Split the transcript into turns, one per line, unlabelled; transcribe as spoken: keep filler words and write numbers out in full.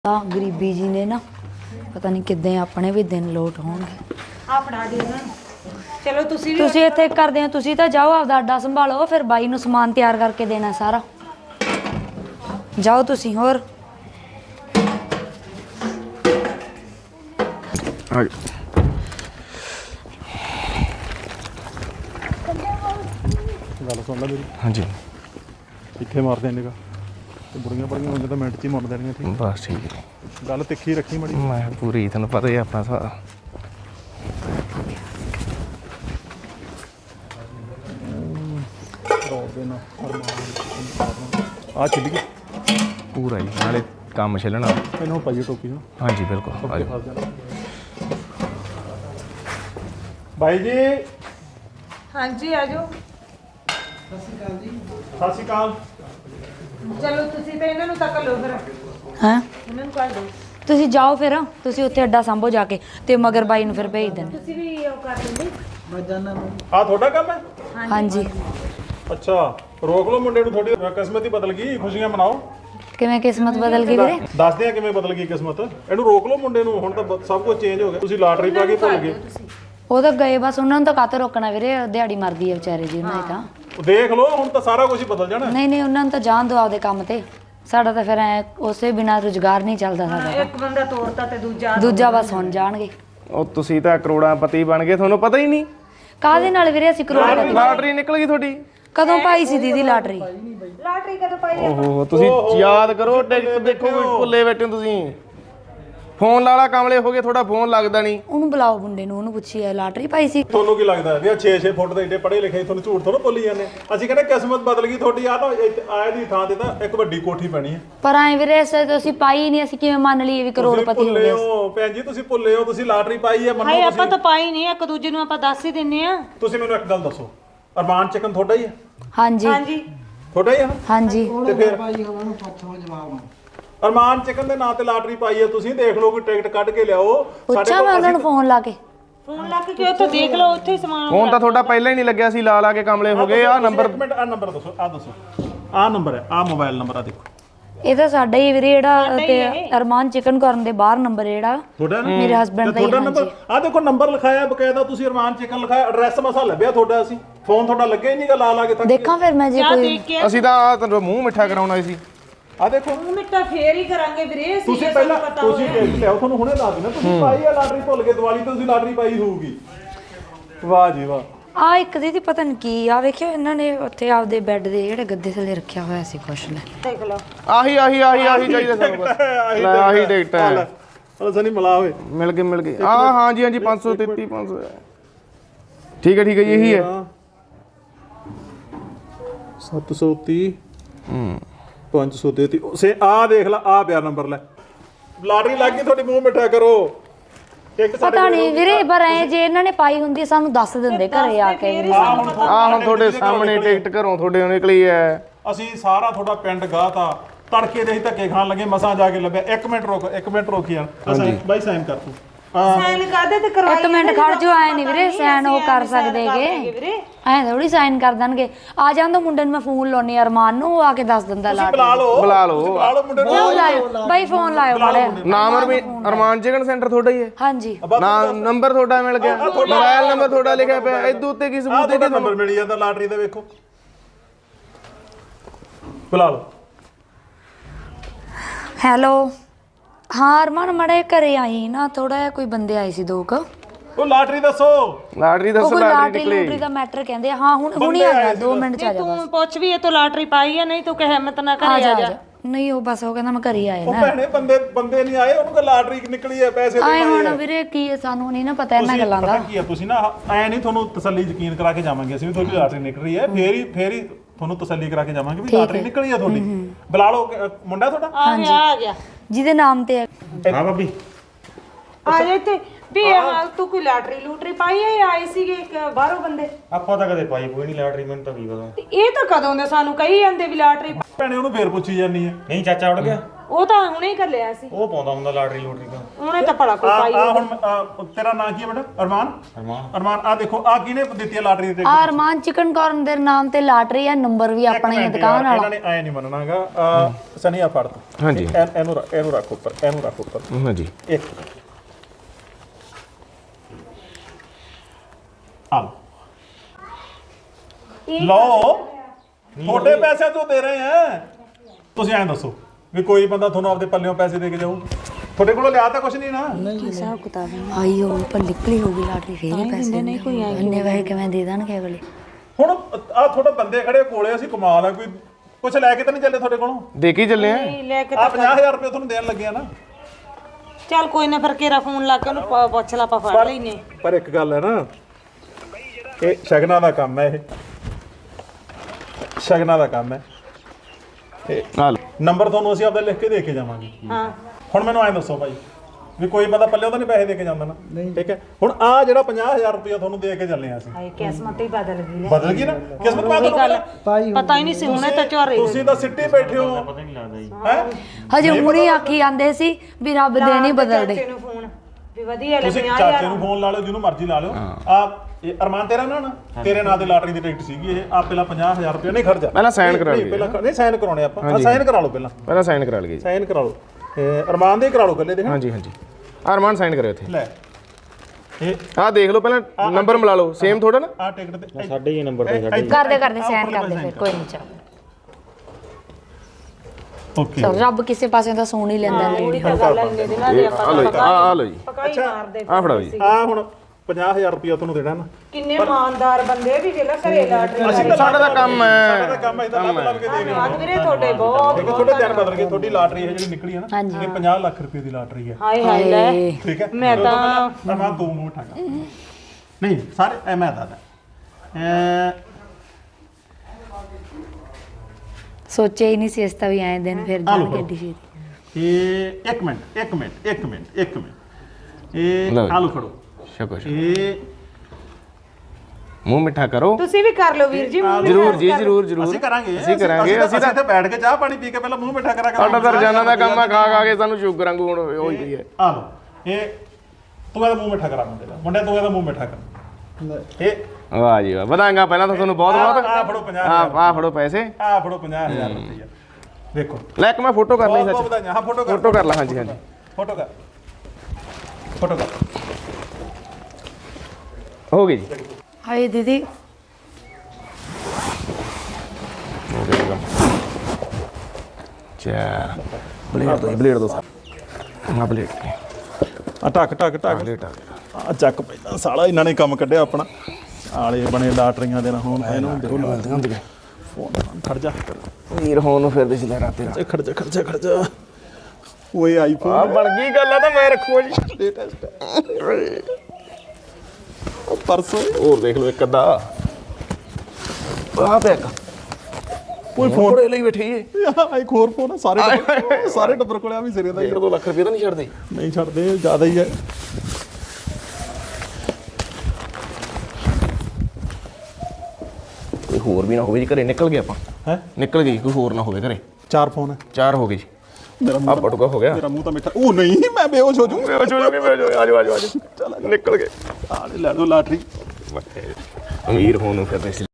ਆ ਗਰੀਬੀ ਜੀ ਨੇ ਨਾ ਪਤਾ ਨਹੀਂ ਕਿੱਦਾਂ ਆਪਣੇ ਵੀ ਦਿਨ ਲੋਟ ਹੋਣਗੇ।
ਆ ਫੜਾ ਦੇ ਉਹਨਾਂ ਨੂੰ। ਚਲੋ ਤੁਸੀਂ ਵੀ
ਤੁਸੀਂ ਇੱਥੇ ਕਰਦੇ ਹੋ, ਤੁਸੀਂ ਤਾਂ ਜਾਓ ਆਪਦਾ ਅੱਡਾ ਸੰਭਾਲੋ, ਫਿਰ ਬਾਈ ਨੂੰ ਸਮਾਨ ਤਿਆਰ ਕਰਕੇ ਦੇਣਾ ਸਾਰਾ। ਜਾਓ ਤੁਸੀਂ। ਹੋਰ
ਆ
ਗੱਲ ਸੁਣ ਲੈ ਮੇਰੀ।
ਹਾਂਜੀ
ਇੱਥੇ ਮਾਰਦੇ ਨਿਗਾ ਤੇ ਬੁੜੀਆਂ ਬੜੀਆਂ ਹੁੰਦੀਆਂ ਤਾਂ ਮਿੰਟ 'ਚ ਹੀ ਮੁੜ ਦੇਣੀਆਂ। ਠੀਕ
ਬਸ ਠੀਕ ਹੈ।
ਗੱਲ ਤਿੱਖੀ ਰੱਖੀ ਮੜੀ।
ਮੈਂ ਪੂਰੀ ਤੁਹਾਨੂੰ ਪਤਾ ਹੀ ਆਪਣਾ ਸਾਰਾ।
ਆ ਚੱਲ ਗਈ
ਪੂਰਾ ਹੀ ਨਾਲੇ ਕੰਮ ਛੱਲਣਾ।
ਇਹਨੂੰ ਪਾਈਏ ਟੋਪੀ ਨੂੰ।
ਹਾਂਜੀ ਬਿਲਕੁਲ। ਆ ਜਾਓ।
ਬਾਈ ਜੀ
ਹਾਂਜੀ ਆ ਜਾਓ।
ਸਤਿ ਸ਼੍ਰੀ ਅਕਾਲ।
ਚਲੋ ਤੁਸੀਂ ਤਾਂ ਇਹਨਾਂ ਨੂੰ ਤੱਕ ਲਓ ਫਿਰ।
ਹਾਂ
ਇਹਨਾਂ ਨੂੰ ਕੱਢ ਦਿਓ।
ਤੁਸੀਂ ਜਾਓ ਫਿਰ, ਤੁਸੀਂ ਉੱਥੇ ਅੱਡਾ ਸੰਭੋ ਜਾ ਕੇ ਤੇ ਮਗਰ ਬਾਈ ਨੂੰ ਫਿਰ ਭੇਜ ਦੇਣਾ।
ਤੁਸੀਂ ਵੀ ਉਹ ਕਰ ਦਿੰਦੇ।
ਆ ਤੁਹਾਡਾ ਕੰਮ ਹੈ?
ਹਾਂਜੀ।
ਅੱਛਾ ਰੋਕ ਲਓ ਮੁੰਡੇ ਨੂੰ। ਤੁਹਾਡੀ ਕਿਸਮਤ ਹੀ ਬਦਲ ਗਈ। ਖੁਸ਼ੀਆਂ ਮਨਾਓ।
ਕਿਵੇਂ ਕਿਸਮਤ ਬਦਲ ਗਈ ਵੀਰੇ?
ਦੱਸਦੇ ਆ ਕਿਵੇਂ ਬਦਲ ਗਈ ਕਿਸਮਤ। ਇਹਨੂੰ ਰੋਕ ਲਓ ਮੁੰਡੇ ਨੂੰ। ਹੁਣ ਤਾਂ ਬ- ਸਭ ਕੁਝ ਚੇਂਜ ਹੋ ਗਿਆ। ਤੁਸੀਂ ਲਾਟਰੀ ਪਾ ਕੇ ਭੁੱਲ ਗਏ।
ਉਹ ਤਾਂ ਗਏ ਬਸ, ਉਹਨਾਂ ਨੂੰ ਤਾਂ ਕਾਹਤੇ ਰੋਕਣਾ ਵੀਰੇ, ਦਿਹਾੜੀ ਮਰਦੀ ਹੈ ਵਿਚਾਰੇ ਜੀ ਉਹਨਾਂ ਦੀ ਤਾਂ।
ਦੇਖ ਲਓ ਹੁਣ ਤਾਂ ਸਾਰਾ ਕੁਝ ਹੀ ਬਦਲ ਜਾਣਾ।
ਨਹੀਂ ਨਹੀਂ, ਉਹਨਾਂ ਨੂੰ ਤਾਂ ਜਾਣ ਦਿਓ ਆਪਦੇ ਕੰਮ ਤੇ। ਸਾਡਾ ਤਾਂ ਫਿਰ ਐ ਉਸੇ ਬਿਨਾਂ ਰੁਜ਼ਗਾਰ ਨਹੀਂ ਚੱਲਦਾ ਸਾਡਾ।
ਇੱਕ ਬੰਦਾ ਤੋੜਤਾ ਤੇ ਦੂਜਾ
ਦੂਜਾ ਬਸ ਹੁਣ ਜਾਣਗੇ।
ਉਹ ਤੁਸੀਂ ਤਾਂ ਕਰੋੜਾਂ ਪਤੀ ਬਣ ਗਏ, ਤੁਹਾਨੂੰ ਪਤਾ ਹੀ ਨਹੀਂ।
ਕਾਹਦੇ ਨਾਲ ਵੀਰੇ ਅਸੀਂ ਕਰੋੜਪਤੀ?
ਲਾਟਰੀ ਨਿਕਲ ਗਈ ਤੁਹਾਡੀ।
ਕਦੋਂ ਪਾਈ ਸੀ ਦੀਦੀ ਲਾਟਰੀ?
ਲਾਟਰੀ ਕਦੋਂ ਪਾਈ?
ਓਹੋ ਤੁਸੀਂ ਯਾਦ ਕਰੋ। ਟਿਕਟ ਦੇਖੋ ਭੁੱਲੇ ਬੈਠੇ ਹੋ ਤੁਸੀਂ। ਫੋਨ ਲਾਲਾ ਕਮਲੇ ਹੋ ਗਏ, ਤੁਹਾਡਾ ਫੋਨ ਲੱਗਦਾ ਨਹੀਂ।
ਉਹਨੂੰ ਬੁਲਾਓ ਮੁੰਡੇ ਨੂੰ, ਉਹਨੂੰ ਪੁੱਛੀ ਲਾਟਰੀ ਪਾਈ ਸੀ।
ਤੁਹਾਨੂੰ ਕੀ ਲੱਗਦਾ ਵੀ ਆ ਛੇ ਛੇ ਫੁੱਟ ਦੇ ਏਡੇ ਪੜ੍ਹੇ ਲਿਖੇ ਤੁਹਾਨੂੰ ਝੂਠ ਥੋੜਾ ਬੋਲੀ ਜਾਂਦੇ। ਅਸੀਂ ਕਹਿੰਦੇ ਕਿਸਮਤ ਬਦਲ ਗਈ ਤੁਹਾਡੀ। ਆ ਤਾਂ ਇੱਥੇ ਆਏ ਦੀ ਥਾਂ ਤੇ ਤਾਂ ਇੱਕ ਵੱਡੀ ਕੋਠੀ ਪੈਣੀ ਹੈ।
ਪਰ ਐ ਵੀਰੇ ਅਸੀਂ ਤਾਂ ਅਸੀਂ ਪਾਈ ਨਹੀਂ, ਅਸੀਂ ਕਿਵੇਂ ਮੰਨ ਲਈਏ ਵੀ ਕਰੋੜਪਤੀ ਹੋ
ਭੁੱਲੇ
ਗਏ?
ਹੋ ਭੈਣ ਜੀ, ਤੁਸੀਂ ਭੁੱਲੇ ਹੋ। ਤੁਸੀਂ ਲਾਟਰੀ ਪਾਈ ਹੈ, ਮੰਨੋ
ਹਾਏ ਆਪਾਂ
ਤੁਸੀਂ।
ਤਾਂ ਪਾਈ ਨਹੀਂ, ਇੱਕ ਦੂਜੇ ਨੂੰ ਆਪਾਂ ਦੱਸ ਹੀ ਦਿੰਨੇ ਆ।
ਤੁਸੀਂ ਮੈਨੂੰ ਇੱਕ ਗੱਲ ਦੱਸੋ, ਅਰਮਾਨ ਚਿਕਨ ਤੁਹਾਡਾ ਹੀ ਹੈ?
ਹਾਂਜੀ
ਹਾਂਜੀ
ਤੁਹਾਡਾ ਹੀ ਹੈ?
ਹਾਂਜੀ।
ਤੇ ਫਿਰ ਅਰਮਾਨ ਚਿਕਨ ਦੇ ਨਾਂ ਤੇ ਲਾਟਰੀ ਪਾਈ ਹੈ ਤੁਸੀਂ। ਦੇਖ ਲਓ ਕੋਈ ਟਿਕਟ ਕੱਢ ਕੇ ਲਿਆਓ।
ਪੁੱਛਾਂ ਮੈਂ ਉਹਨਾਂ ਨੂੰ ਫੋਨ ਲਾ ਕੇ?
ਫੋਨ ਲਾ ਕੇ ਕਿਉਂ? ਤਾਂ ਦੇਖ ਲਓ ਉੱਥੇ ਹੀ ਸਮਾਨ।
ਫੋਨ ਤਾਂ ਤੁਹਾਡਾ ਪਹਿਲਾਂ ਹੀ ਨਹੀਂ ਲੱਗਿਆ ਸੀ, ਲਾ ਲਾ ਕੇ ਕਮਲੇ ਹੋ ਗਏ। ਆ ਨੰਬਰ
ਇੱਕ ਮਿੰਟ, ਆ ਨੰਬਰ ਦੱਸੋ। ਆ ਦੱਸੋ, ਆ ਨੰਬਰ ਹੈ, ਆ ਮੋਬਾਈਲ ਨੰਬਰ ਆ ਦੇਖੋ।
ਇਹ ਤਾਂ ਸਾਡਾ ਹੀ ਵੀਰੇ, ਜਿਹੜਾ ਤੇ ਅਰਮਾਨ ਚਿਕਨ ਕਰਨ ਦੇ ਬਾਹਰ ਨੰਬਰ ਜਿਹੜਾ
ਤੁਹਾਡਾ ਨਾ?
ਮੇਰੇ ਹਸਬੰਡ ਦਾ ਹੀ।
ਤੁਹਾਡਾ ਨੰਬਰ ਆ ਦੇਖੋ, ਨੰਬਰ ਲਿਖਾਇਆ ਬਕਾਇਦਾ। ਤੁਸੀਂ ਅਰਮਾਨ ਚਿਕਨ ਲਿਖਾਇਆ, ਐਡਰੈਸ ਮਸਾ ਲੱਭਿਆ ਤੁਹਾਡਾ। ਅਸੀਂ ਫੋਨ ਤੁਹਾਡਾ ਲੱਗਿਆ ਹੀ ਨਹੀਂਗਾ, ਲਾ ਲਾ ਕੇ ਤੱਕ।
ਦੇਖਾਂ ਫਿਰ ਮੈਂ ਜੇ
ਆ
ਕੋਈ।
ਦੇਖ ਕੇ
ਅਸੀਂ ਤਾਂ ਆਹ ਤੁਹਾਨੂੰ ਮੂੰਹ ਮਿੱਠਾ ਕਰਾਉਣਾ ਸੀ।
ਆ ਦੇਖੋ
ਮੂੰਹ ਮਿੱਠਾ ਫੇਰ ਹੀ ਕਰਾਂਗੇ ਵੀਰੇ। ਅਸੀਂ
ਤੁਸੀਂ
ਜੇ
ਪਹਿਲਾਂ
ਸਾਨੂੰ ਪਤਾ
ਤੁਸੀਂ
ਹੋਵੇ।
ਦੇਖ ਲਿਆਓ, ਤੁਹਾਨੂੰ ਹੁਣੇ ਦੱਸ ਦਿੰਦਾ। ਤੁਸੀਂ ਪਾਈ ਆ ਲਾਟਰੀ, ਭੁੱਲ ਗਏ। ਦੀਵਾਲੀ ਤੇ ਤੁਸੀਂ ਲਾਟਰੀ ਪਾਈ ਹੋਊਗੀ। ਵਾਹ ਜੀ ਵਾਹ।
ਆ ਇੱਕ ਦੀਦੀ ਪਤਾ ਨਹੀਂ ਕੀ ਆ, ਵੇਖਿਓ ਇਹਨਾਂ ਨੇ ਉੱਥੇ ਆਪਦੇ ਬੈੱਡ ਦੇ ਜਿਹੜੇ ਗੱਦੇ ਥੱਲੇ ਰੱਖਿਆ ਹੋਇਆ ਸੀ ਕੁਛ ਲੈ।
ਦੇਖ ਲਓ।
ਆਹੀ ਆਹੀ ਆਹੀ ਆਹੀ ਚਾਹੀਦਾ ਸਾਨੂੰ ਬਸ। ਲੈ ਆਹੀ ਟਿਕਟ ਹੈ।
ਹਲੋ ਸਨੀ ਮਿਲਾ ਹੋਏ।
ਮਿਲ ਗਏ ਮਿਲ ਗਏ। ਆ ਹਾਂਜੀ ਹਾਂਜੀ ਪੰਜ ਸੌ ਤੇਤੀ ਪੰਜ ਸੌ। ਠੀਕ ਹੈ ਠੀਕ ਹੈ ਜੀ, ਇਹੀ ਹੈ।
ਸੱਤ ਸੌ ਤੀਹ
ਹੂੰ
ਪੰਜ ਸੌ ਤੇਤੀ। ਸੇ ਆ ਦੇਖ ਲਾ, ਆ ਪਿਆ ਨੰਬਰ। ਲੈ ਲਾਟਰੀ ਲੱਗ ਗਈ ਤੁਹਾਡੀ, ਮੂੰਹ ਮਿੱਠਾ ਕਰੋ। ਇੱਕ ਸਾਡੇ
ਪਤਾ ਨਹੀਂ ਵੀਰੇ, ਪਰ ਐ ਜੇ ਇਹਨਾਂ ਨੇ ਪਾਈ ਹੁੰਦੀ ਸਾਨੂੰ ਦੱਸ ਦਿੰਦੇ ਘਰੇ ਆ ਕੇ।
ਆ ਹੁਣ ਤੁਹਾਡੇ ਸਾਹਮਣੇ ਟਿਕਟ ਘਰੋਂ ਤੁਹਾਡੇ ਨਿਕਲੀ ਹੈ।
ਅਸੀਂ ਸਾਰਾ ਤੁਹਾਡਾ ਪਿੰਡ ਗਾਤਾ। ਤੜਕੇ ਦੇ ਅਸੀਂ ਧੱਕੇ ਖਾਣ ਲੱਗੇ, ਮਸਾਂ ਜਾ ਕੇ ਲੱਭਿਆ। ਇੱਕ ਮਿੰਟ ਰੁਕ, ਇੱਕ ਮਿੰਟ ਰੁਕ ਯਾਰ। ਅਸੀਂ ਬਾਈ ਸਾਈਨ ਕਰ ਤੂੰ।
ਸਾਈਨ ਕਾਦੇ ਤੇ ਕਰਵਾਈ?
ਇੱਕ ਮਿੰਟ ਖੜ ਜਾਓ, ਐ ਨਹੀਂ ਵੀਰੇ ਸਾਈਨ ਉਹ ਕਰ ਸਕਦੇਗੇ।
ਵੀਰੇ
ਐ ਥੋੜੀ ਸਾਈਨ ਕਰ ਦੇਣਗੇ। ਆ ਜਾਂਦਾ ਮੁੰਡੇ ਨੂੰ ਮੈਂ ਫੋਨ ਲਾਉਣੀ ਅਰਮਾਨ ਨੂੰ, ਉਹ ਆ ਕੇ ਦੱਸ ਦਿੰਦਾ ਲਾਟਰੀ।
ਬੁਲਾ ਲਓ
ਬੁਲਾ ਲਓ।
ਬੁਲਾ ਲਓ ਮੁੰਡੇ ਨੂੰ।
ਫੋਨ ਲਾਇਓ ਬਾਈ, ਫੋਨ ਲਾਇਓ ਮਾੜੇ।
ਨਾਮ ਅਰਮਾਨ ਚਿਕਨ ਸੈਂਟਰ ਤੁਹਾਡਾ ਹੀ ਹੈ?
ਹਾਂਜੀ।
ਨਾ ਨੰਬਰ ਤੁਹਾਡਾ ਮਿਲ ਗਿਆ, ਮੋਬਾਈਲ ਨੰਬਰ ਤੁਹਾਡਾ ਲਿਖਿਆ ਪਿਆ। ਇਹਦੇ ਉੱਤੇ ਕੀ
ਆਹ
ਸਬੂਤ ਹੈ?
ਤੁਹਾਡਾ ਨੰਬਰ ਮਿਲ ਜਾਂਦਾ ਲਾਟਰੀ ਦਾ, ਵੇਖੋ। ਬੁਲਾ ਲਓ।
ਹੈਲੋ। ਹਾਂ ਅਰਮਾਨ ਮੜੇ ਘਰੇ ਆਈ ਨਾ, ਥੋੜਾ ਜਿਹਾ ਕੋਈ ਬੰਦੇ ਆਏ ਸੀ ਦੋ ਕੁ।
ਉਹ ਲਾਟਰੀ ਦੱਸੋ।
ਲਾਟਰੀ
ਉਹ
ਦੱਸੋ।
ਕੋਈ
ਲਾਟਰੀ
ਲਾਟਰੀ ਲੂਟਰੀ
ਨਿਕਲੀ।
ਦਾ ਮੈਟਰ ਕਹਿੰਦੇ ਆ। ਹਾਂ ਹੁਣ ਹੁਣੀ ਆ ਜਾ, ਦੋ ਮਿੰਟ ਚ ਆ ਜਾ ਬਸ।
ਤੂੰ ਪੁੱਛ ਵੀ ਇਹ ਤੋਂ ਲਾਟਰੀ ਪਾਈ ਆ? ਨਹੀਂ ਤੂੰ ਕਹਿ ਹਿੰਮਤ ਨਾ
ਆ
ਕਰੇ।
ਜਾ
ਆ
ਆ
ਜਾ।
ਜਾ। ਨਹੀਂ ਉਹ ਬਸ ਉਹ ਕਹਿੰਦਾ ਮੈਂ ਘਰੇ ਆਏ
ਉਹ
ਨਾ।
ਭੈਣੇ ਬੰਦੇ ਬੰਦੇ ਨਹੀਂ ਆਏ, ਉਹਨੂੰ ਕਹ ਲਾਟਰੀ ਨਿਕਲੀ ਹੈ, ਪੈਸੇ
ਆਏ
ਦੇਣੇ
ਹੁਣ
ਆ।
ਵੀਰੇ ਕੀ ਸਾਨੂੰ ਨਹੀਂ ਨਾ ਪਤਾ ਇਹਨਾਂ ਗੱਲਾਂ ਦਾ।
ਪਤਾ ਕੀ ਆ, ਤੁਸੀਂ ਨਾ ਐ ਨਹੀਂ ਤੁਹਾਨੂੰ ਤਸੱਲੀ ਯਕੀਨ ਕਰਾ ਕੇ ਜਾਵਾਂਗੇ ਅਸੀਂ ਵੀ ਤੁਹਾਡੀ ਲਾਟਰੀ ਨਿਕਲ ਰਹੀ ਹੈ। ਫੇਰ ਹੀ ਫੇਰ ਹੀ ਤੁਹਾਨੂੰ ਤਸੱਲੀ ਕਰਾ ਕੇ ਜਾਵਾਂਗੇ ਵੀ ਲਾਟਰੀ ਨਿਕਲੀ ਆ ਤੁਹਾਡੀ। ਬੁਲਾ ਲਓ। ਅ, ਮੁੰਡਾ ਤੁਹਾਡਾ
ਆ ਗਿਆ ਆ ਗਿਆ।
ਜਿਹਦੇ ਨਾਮ ਤੇ
ਹਾਂ ਭਾਬੀ।
ਆ ਜਾ ਇੱਥੇ ਵੀ। ਹਾਂ ਤੂੰ ਕੋਈ ਲਾਟਰੀ ਲੂਟਰੀ ਪਾਈ ਹੈ? ਆਏ ਸੀਗੇ ਇੱਕ ਬਾਹਰੋਂ ਬੰਦੇ।
ਆਪਾਂ ਤਾਂ ਕਦੇ ਪਾਈ ਕੋਈ ਨਹੀਂ ਲਾਟਰੀ, ਮੈਨੂੰ ਤਾਂ ਕੀ ਪਤਾ।
ਤੇ ਇਹ ਤਾਂ ਕਦੋਂ ਦੇ ਸਾਨੂੰ ਕਹੀ ਜਾਂਦੇ ਵੀ ਲਾਟਰੀ।
ਭੈਣੇ ਉਹਨੂੰ ਫੇਰ ਪੁੱਛੀ ਜਾਨੀ ਹੈ।
ਨਹੀਂ ਚਾਚਾ ਉੱਡ ਗਿਆ।
ਉਹ ਤਾਂ ਹੁਣੇ ਹੀ ਕਰ ਲਿਆ ਸੀ
ਉਹ ਪਾਉਂਦਾ ਹੁੰਦਾ ਲਾਟਰੀ ਲੂਟਰੀ ਦਾ।
ਉਹਨੇ ਤਾਂ ਭਲਾ ਕੋਈ
ਆ
ਪਾਈ
ਆ ਹੁਣ ਆ, ਤੇਰਾ ਨਾਂ ਕੀ ਹੈ ਬੇਟਾ? ਅਰਮਾਨ।
ਅਰਮਾਨ
ਅਰਮਾਨ ਆ ਦੇਖੋ ਆ ਕਿਹਨੇ ਦਿੱਤੀ ਹੈ ਲਾਟਰੀ ਦੀ
ਆ ਅਰਮਾਨ ਚਿਕਨ ਕਾਰਨ ਦੇ ਨਾਮ ਤੇ ਲਾਟਰੀ ਆ, ਨੰਬਰ ਵੀ ਆਪਣਾ ਹੀ ਆ ਦੁਕਾਨ ਵਾਲਾ।
ਇਹਨਾਂ ਨੇ ਐ ਨਹੀਂ ਮੰਨਣਾਗਾ। ਸਨੀ ਆ ਫੜ ਤੂੰ।
ਹਾਂਜੀ।
ਇਹ- ਇਹਨੂੰ ਰੱਖ- ਇਹਨੂੰ ਰੱਖ ਉੱਪਰ, ਇਹਨੂੰ ਰੱਖ ਉੱਪਰ।
ਹਾਂਜੀ
ਇੱਕ ਆ ਲਓ ਤੁਹਾਡੇ ਪੈਸੇ ਤੋਂ ਦੇ ਰਹੇ ਆ। ਤੁਸੀਂ ਐਂ ਦੱਸੋ ਵੀ ਕੋਈ ਬੰਦਾ ਤੁਹਾਨੂੰ ਆਪਦੇ ਪੱਲਿਓਂ ਪੈਸੇ ਦੇ ਕੇ ਜਾਊ? ਤੁਹਾਡੇ ਕੋਲੋਂ ਲਿਆ ਤਾਂ ਕੁਝ ਨਹੀਂ ਨਾ।
ਹਿਸਾਬ ਕਿਤਾਬ ਆਈ ਉਹ ਪਰ ਨਿਕਲੀ ਹੋਗੀ ਲਾਟਰੀ, ਫੇਰ ਹੀ ਪੈਸੇ ਨਹੀਂ ਕੋਈ ਆਏ ਇੰਨੇ ਪੈਸੇ ਕਿਵੇਂ ਦੇ ਦੇਣਗੇ ਅਗਲੇ।
ਹੁਣ ਆ ਤੁਹਾਡੇ ਬੰਦੇ ਖੜੇ ਕੋਲੇ, ਅਸੀਂ ਕਮਾਲ ਆ, ਕੋਈ ਕੁਝ ਲੈ ਕੇ ਤਾਂ ਨਹੀਂ ਚੱਲੇ ਤੁਹਾਡੇ ਕੋਲੋਂ?
ਦੇ ਕੇ ਚੱਲੇ ਆ।
ਨਹੀਂ ਲੈ ਕੇ
ਆ ਪੰਜਾਹ ਹਜ਼ਾਰ ਰੁਪਏ ਤੁਹਾਨੂੰ ਦੇਣ ਲੱਗੇ ਆ ਨਾ।
ਚੱਲ ਕੋਈ ਨਾ, ਫਿਰ ਕੇਰਾ ਫੋਨ ਲਾ ਕੇ ਉਹਨੂੰ ਪ- ਪੁੱਛ ਲਾ, ਆਪਾਂ ਫੜ ਲੈਨੇ।
ਪਰ ਇੱਕ ਗੱਲ ਹੈ ਨਾ, ਇਹ ਸ਼ਗਨਾਂ ਦਾ ਕੰਮ ਹੈ। ਇਹ ਸ਼ਗਨਾਂ ਦਾ ਕੰਮ ਹੈ। ਤੇ
ਆ ਲਓ।
ਨੰਬਰ ਤੁਹਾਨੂੰ ਅਸੀਂ ਆਪਦਾ ਲਿਖ ਕੇ ਦੇ ਕੇ ਜਾਵਾਂਗੇ।
ਹਾਂ
ਹੁਣ ਮੈਨੂੰ ਐਂ ਦੱਸੋ ਭਾਈ ਵੀ ਕੋਈ ਬੰਦਾ ਪੱਲੇ ਉਹਦਾ ਨਹੀਂ ਪੈਸੇ ਦੇ ਕੇ ਜਾਂਦਾ ਨਾ, ਠੀਕ ਹੈ? ਹੁਣ ਆ ਜਿਹੜਾ ਪੰਜਾਹ ਹਜ਼ਾਰ ਰੁਪਏ ਤੁਹਾਨੂੰ ਦੇ ਕੇ ਚੱਲੇ ਆ ਅਸੀਂ,
ਹਾਏ ਕਿਸਮਤ ਹੀ ਬਦਲ ਗਈ ਹੈ।
ਬਦਲ ਗਈ ਨਾ ਕਿਸਮਤ? ਮੈਂ ਤੁਹਾਨੂੰ
ਗੱਲ
ਪਹਿਲਾਂ-
ਪਤਾ ਹੀ ਨਹੀਂ ਸੀ ਹੁਣੇ ਤਾਂ ਝੋਰੇ
ਤੁਸੀਂ ਤਾਂ ਸਿੱਟੇ ਬੈਠੇ ਹੋ
ਪਤਾ ਨਹੀਂ ਲੱਗਦਾ ਜੀ।
ਹੈ।
ਹਜੇ ਹੁਣੀ ਆਖੀ ਆਂਦੇ ਸੀ ਵੀ ਰੱਬ ਦੇ ਨਹੀਂ ਬਦਲਦੇ।
ਚਾਚੇ ਨੂੰ ਫੋਨ ਵੀ ਵਧੀਆ ਲੈ
ਤੁਸੀਂ
ਪੰਜਾਹ
ਚਾਚੇ
ਹਜ਼ਾਰ
ਨੂੰ ਫੋਨ ਲਾ ਲਓ, ਜਿਹਨੂੰ ਮਰਜ਼ੀ ਲਾ ਲਓ। ਆ ਇਹ ਅਰਮਾਨ ਤੇਰਾ ਨਾ ਨਾ ਤੇਰੇ ਨਾਂ ਤੇ ਲਾਟਰੀ ਦੀ ਟਿਕਟ ਸੀਗੀ ਇਹ। ਆ ਪਹਿਲਾਂ ਪੰਜਾਹ ਹਜ਼ਾਰ ਰੁਪਏ ਨਹੀਂ ਖਰਚਾ,
ਪਹਿਲਾਂ sign ਕਰਾ
ਨਹੀਂ,
ਲਈਏ।
ਪਹਿਲਾਂ ਨਹੀਂ ਸਾਈਨ ਕਰਾਉਣੇ ਆਪਾਂ। ਸਾਈਨ ਕਰਾ ਲਓ ਪਹਿਲਾਂ,
ਪਹਿਲਾਂ ਸਾਈਨ ਕਰਾ ਲਈਏ ਜੀ।
ਸਾਈਨ ਕਰਾ ਲਓ। ਇਹ ਅਰਮਾਨ ਦੇ ਕਰਾ ਲਓ ਕੱਲੇ ਦੇ।
ਹਾਂਜੀ ਹਾਂਜੀ ਅਰਮਾਨ ਸਾਈਨ ਕਰਿਓ ਇੱਥੇ।
ਲੈ ਇਹ
ਆ ਦੇਖ ਲਓ ਪਹਿਲਾਂ ਨੰਬਰ ਮਿਲਾ ਲਓ, ਸੇਮ ਥੋੜਾ ਨਾ।
ਆ ਟਿਕਟ ਤੇ
ਸਾਡੇ ਹੀ ਨੰਬਰ ਤੇ ਸਾਡੇ
ਕਰਦੇ ਕਰਦੇ ਸੈਨ ਕਰਦੇ ਫਿਰ ਕੋਈ ਨਹੀਂ। ਚੱਲ
ਓਕੇ।
ਚੱਲ ਰੱਬ ਕਿਸੇ ਪਾਸੇ ਤਾਂ ਸੋਣ ਹੀ ਲੈਂਦਾ ਨੇ।
ਉਹੀ ਤਾਂ ਗੱਲ ਹੈ, ਇੰਨੇ ਦਿਨਾਂ ਦੀ ਆਪਾਂ
ਆ ਲਓ ਜੀ, ਆ ਆ ਲਓ ਜੀ,
ਪਕਾਈ ਮਾਰਦੇ
ਆ ਫੜਾਓ ਜੀ।
ਆ ਹੁਣ ਪੰਜਾਹ ਹਜ਼ਾਰ ਰੁਪਏ ਤੁਹਾਨੂੰ ਦੇਣਾ ਨਾ।
ਕਿੰਨੇ ਇਮਾਨਦਾਰ ਬੰਦੇ ਵੀ ਜਿਹੜਾ ਘਰੇ ਲਾਟਰੀ
ਸਾਡਾ ਤਾਂ ਕੰਮ ਹੈ।
ਸਾਡਾ ਕੰਮ ਇਦਾਂ ਲੱਭ ਲੱਭ ਕੇ ਦੇ ਰਹੇ
ਧੰਨਵਾਦ ਵੀਰੇ ਤੁਹਾਡੇ ਬਹੁਤ
ਦੇਖੋ ਤੁਹਾਡੇ ਦਿਨ ਬਦਲ ਗਏ। ਤੁਹਾਡੀ ਲਾਟਰੀ ਹੈ ਜਿਹੜੀ ਨਿਕਲੀ ਹੈ ਨਾ,
ਹਾਂਜੀ।
ਇਹ ਪੰਜਾਹ ਲੱਖ ਰੁਪਏ ਦੀ ਲਾਟਰੀ ਹੈ,
ਹਾਏ ਹਾਏ ਲੈ
ਹਾਏ।
ਠੀਕ ਹੈ?
ਮੈਂ ਤਾਂ
ਅਰਮਾਨ ਤੂੰ ਮੂੰਹ ਠਾਕਾ ਨਹੀਂ ਸਾਰੇ ਐ ਮੈਂ ਦੱਸਦਾ। ਅਹ
ਸੋਚਿਆ ਹੀ ਨਹੀਂ ਸੀ ਇਸ ਤਾਂ ਵੀ ਆਏ ਦਿਨ ਫਿਰ
ਆ ਲਓ
ਜਾਣਗੇ ਏਡੀ ਛੇਤੀ।
ਇਹ ਇੱਕ ਮਿੰਟ ਇੱਕ ਮਿੰਟ ਇੱਕ ਮਿੰਟ ਇੱਕ ਮਿੰਟ ਇਹ
ਲਓ ਜੀ।
ਆਲੂ ਫੜੋ।
ਸ਼ਕੋ ਸ਼ਕੋ
ਇਹ
ਮੂੰਹ ਮਿੱਠਾ ਕਰੋ।
ਤੁਸੀਂ ਵੀ ਕਰ ਲਓ ਵੀਰ ਜੀ ਮੂੰਹ
ਜਰੂਰ ਜੀ ਜਰੂਰ ਜਰੂਰ
ਅਸੀਂ ਕਰਾਂਗੇ
ਅਸੀਂ ਕਰਾਂਗੇ। ਅਸੀਂ ਤਾਂ
ਇੱਥੇ ਬੈਠ ਕੇ ਚਾਹ ਪਾਣੀ ਪੀ ਕੇ ਪਹਿਲਾਂ ਮੂੰਹ ਮਿੱਠਾ ਕਰਾ
ਸਾਡਾ ਤਾਂ ਰੋਜ਼ਾਨਾ ਦਾ ਕੰਮ ਆ, ਖਾ ਖਾ ਕੇ ਸਾਨੂੰ ਸ਼ੂਗਰ ਵਾਂਗੂ ਹੁਣ ਹੋਈ ਪਈ ਹੈ।
ਆ ਲਓ ਇਹ ਤੂੰ ਇਹਦਾ ਮੂੰਹ ਮਿੱਠਾ ਕਰਾ ਮੁੰਡੇ ਦਾ। ਮੁੰਡੇ ਤੂੰ ਇਹਦਾ ਮੂੰਹ ਮਿੱਠਾ ਕਰ। ਇਹ
ਵਾਹ ਜੀ ਵਾਹ, ਵਧਾਂਗਾ ਪਹਿਲਾਂ ਤਾਂ ਤੁਹਾਨੂੰ ਬਹੁਤ ਬਹੁਤ।
ਆ ਫੜੋ ਪੰਜਾਹ
ਆ
ਹਜ਼ਾਰ
ਆ ਫੜੋ ਪੈਸੇ।
ਆ ਫੜੋ ਪੰਜਾਹ ਹਜ਼ਾਰ ਰੁਪਏ। ਦੇਖੋ
ਲੈ ਇੱਕ ਮੈਂ ਫੋਟੋ ਕਰ ਲਈ
ਬਹੁਤ ਬਹੁਤ
ਸੱਚ।
ਵਧਾਈਆਂ। ਹਾਂ ਫੋਟੋ ਕਰ
ਫੋਟੋ ਕਰ ਲਾ। ਹਾਂਜੀ ਹਾਂਜੀ
ਫੋਟੋ ਕਰ ਫੋਟੋ ਕਰ।
ਹੋ ਗਈ ਜੀ।
ਹਾਏ ਦੀਦੀ
ਹੋ ਗਿਆ ਕੰਮ। ਚਾ ਬਲੇਡ ਦੋ ਬਲੇਡ ਦੋ ਸਾਹਿਬ। ਆ ਬਲੇਡ
ਆ ਟਕ ਟਕ ਟਕ
ਬਲੇਡ ਆ
ਆ ਚੱਕ ਪਹਿਲਾਂ ਸਾਲਾ ਇਹਨਾਂ ਨੇ ਕੰਮ ਕੱਢਿਆ ਆਪਣਾ। ਆਲੇ ਬਣੇ ਲਾਟਰੀਆਂ ਦੇ ਨਾ ਹੋਣ ਇਹਨੂੰ ਦਿਓ
ਹੁੰਦੀਆਂ।
ਫੋਨ ਖੜ ਜਾ
ਵੀਰ ਹੋਣ ਨੂੰ ਫਿਰਦੇ ਸੀ ਲੈ ਰਾਤੇ ਰਾਤ।
ਖੜ ਜਾ ਖੜ ਜਾ ਖੜ ਜਾ। ਓਏ
ਆ
ਆਈਫੋਨ
ਬਣ ਗਈ ਗੱਲ ਆ ਤਾਂ ਮੈਂ ਰੱਖੂ ਜੀ।
ਲੇਟੈਸਟ ਪਰਸੋਂ
ਹੋਰ ਦੇਖ ਲਓ ਇੱਕ ਅੱਧਾ ਆ ਪਿਆ ਇੱਕ।
ਕੋਈ
ਫੋਨ ਕੋਲੇ ਲਈ ਬੈਠੀ ਏ।
ਆ ਇੱਕ ਹੋਰ ਫੋਨ ਆ, ਸਾਰੇ ਟੱਬਰ- ਸਾਰੇ ਟੱਬਰ ਕੋਲੇ ਆ ਵੀ ਸਿਰੇ ਦਾ ਹੀ ਆ।
ਇੱਕ ਦੋ ਲੱਖ ਰੁਪਏ ਤਾਂ ਨਹੀਂ ਛੱਡਦੇ।
ਨਹੀਂ ਛੱਡਦੇ, ਜ਼ਿਆਦਾ ਹੀ ਹੈ।
ਕੋਈ ਹੋਰ ਵੀ ਨਾ ਹੋਵੇ ਜੀ ਘਰੇ। ਨਿਕਲ ਗਏ ਆਪਾਂ,
ਹੈ
ਨਿਕਲ ਗਈ। ਕੋਈ ਹੋਰ ਨਾ ਹੋਵੇ ਘਰੇ।
ਚਾਰ ਫੋਨ ਹੈ।
ਚਾਰ ਹੋ ਗਏ ਜੀ।
ਮੇਰਾ
ਆ
ਮੂੰਹ
ਬਟੂਆ ਹੋ ਗਿਆ।
ਮੇਰਾ ਮੂੰਹ ਤਾਂ ਮਿੱਠਾ। ਉਹ ਨਹੀਂ ਮੈਂ ਬੇਹੋਸ਼ ਹੋ ਜਾਊਂ।
ਆਜੋ ਆਜੋ ਆਜੋ ਆਜੋ ਆਜੋ ਆਜੋ ਨਿਕਲ ਗਏ।
ਆ ਲੈ ਲਓ ਲਾਟਰੀ।
ਅਮੀਰ ਹੋਣ ਨੂੰ ਫਿਰਦੇ ਸੀ।